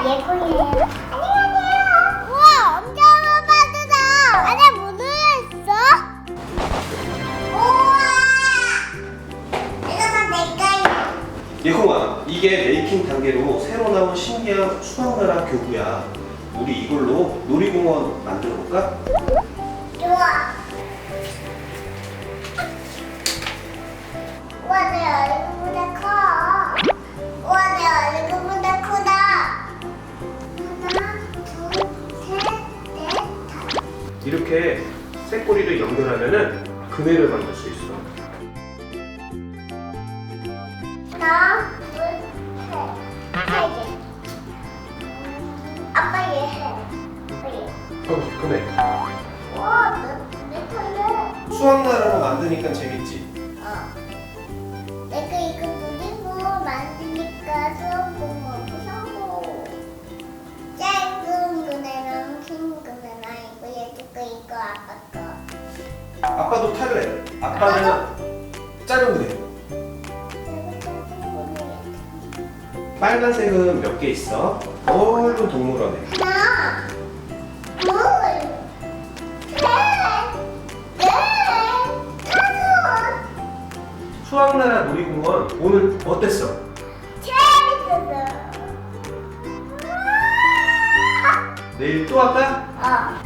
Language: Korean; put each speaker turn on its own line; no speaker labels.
예쁘네요. 안녕하세요. 우와, 엄청 빠르다. 안에 문을 했어? 우와! 이거 다 내 거야.
예콩아, 이게 메이킹 단계로 새로 나온 신기한 수학나라 교구야. 우리 이걸로 놀이공원 만들어 볼까?
좋아. 우와, 내 얼굴보다 커. 우와, 내 얼굴보다 크다. 하나, 둘, 셋, 넷, 다섯.
이렇게 쇳꼬리를 연결하면은 그네를 만들 수 있어.
하나, 둘, 셋. 세 개. 아빠 얘 해. 아빠 얘.
그네.
우와, 내 털래.
수학나라로 만드니까 재밌지?
내가 이거 누리고 만드니까 수업공부 사고 짧은 그네랑 긴 그네랑 이거 얘도 거 이거 아빠 거.
아빠도 탈래. 아빠는 짧은 그네.
그리고 짧은 그네.
빨간색은 몇 개 있어? 넓은 동물원에.
하나, 둘, 셋, 넷, 다섯.
수학나라 놀이공원 오늘 어땠어?
재밌었어.
내일 또 할까?